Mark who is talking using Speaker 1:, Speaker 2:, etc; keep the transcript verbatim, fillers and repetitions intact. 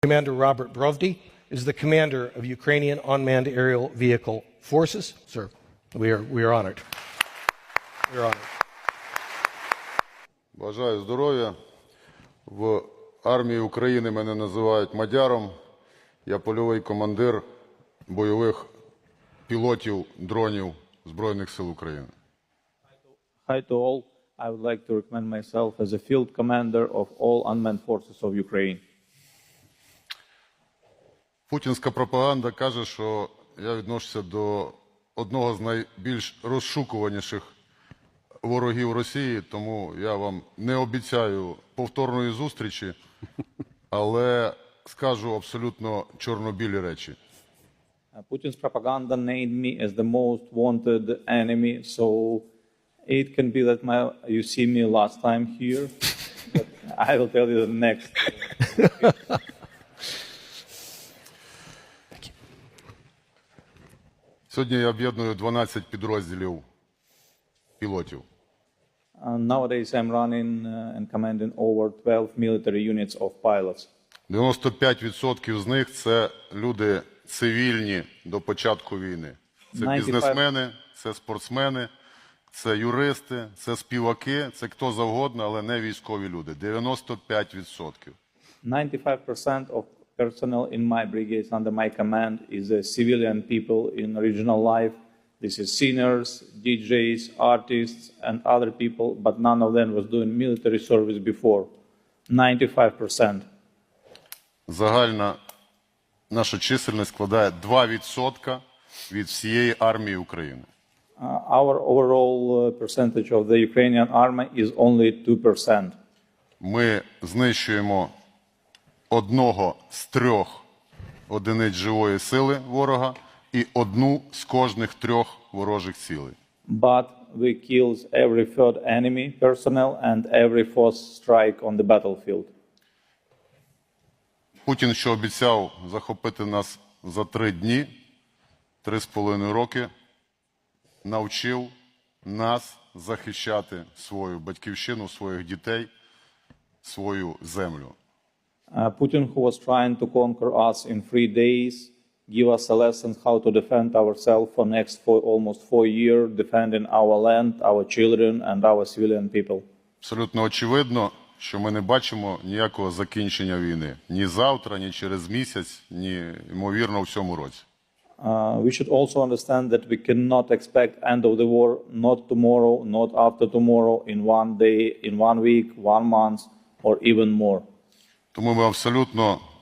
Speaker 1: Commander Robert Brovdy is the commander of Ukrainian unmanned aerial vehicle forces. Sir, we are, we are honored. We are honored.
Speaker 2: Бажаю здоров'я. В армії України мене називають Мадяром. Я польовий командир бойових пілотів дронів Збройних сил України.
Speaker 3: Hi to all. I would like to recommend myself as a field commander of all unmanned forces of Ukraine.
Speaker 2: Путінська пропаганда каже, що я відношуся до одного з найбільш розшукуваніших ворогів Росії, тому я вам не обіцяю повторної зустрічі, але скажу абсолютно чорно-білі речі.
Speaker 3: Putin's propaganda named me as the most wanted enemy, so it can be that my, you see me last time here, but I will tell you the next.
Speaker 2: Сьогодні я об'єдную дванадцять підрозділів пілотів.
Speaker 3: Uh, nowadays I'm running uh, and commanding over twelve military units of pilots.
Speaker 2: дев'яносто п'ять відсотків з них – це люди цивільні до початку війни. Це бізнесмени, це спортсмени, це юристи, це співаки, це хто завгодно, але не військові люди. дев'яносто п'ять відсотків.
Speaker 3: ninety-five percent of personnel in my brigades under my command is uh, civilian people in regional life. This is singers, D Js, artists, and other people, but none of them was doing military service before. ninety-five percent.
Speaker 2: Загальна наша чисельність складає два відсотки від всієї армії України.
Speaker 3: Uh, our overall uh, percentage of the Ukrainian army is only two percent.
Speaker 2: Ми знищуємо одного з трьох одиниць живої сили ворога і одну з кожних трьох ворожих цілей.
Speaker 3: But we kill every third enemy personnel and every fourth strike on the battlefield.
Speaker 2: Путін, що обіцяв захопити нас за три дні, три з половиною роки, навчив нас захищати свою батьківщину, своїх дітей, свою землю.
Speaker 3: Uh, Putin, who was trying to conquer us in three days, give us a lesson how to defend ourselves for next four, almost four years, defending our land, our children, and our civilian people.
Speaker 2: Абсолютно очевидно, що ми не бачимо ніякого закінчення війни. Ні завтра, ні через місяць, ні, ймовірно, в цьому році.
Speaker 3: Uh, we should also understand that we cannot expect end of the war, not tomorrow, not after tomorrow, in one day, in one week, one month, or even more.
Speaker 2: Тому ми абсолютно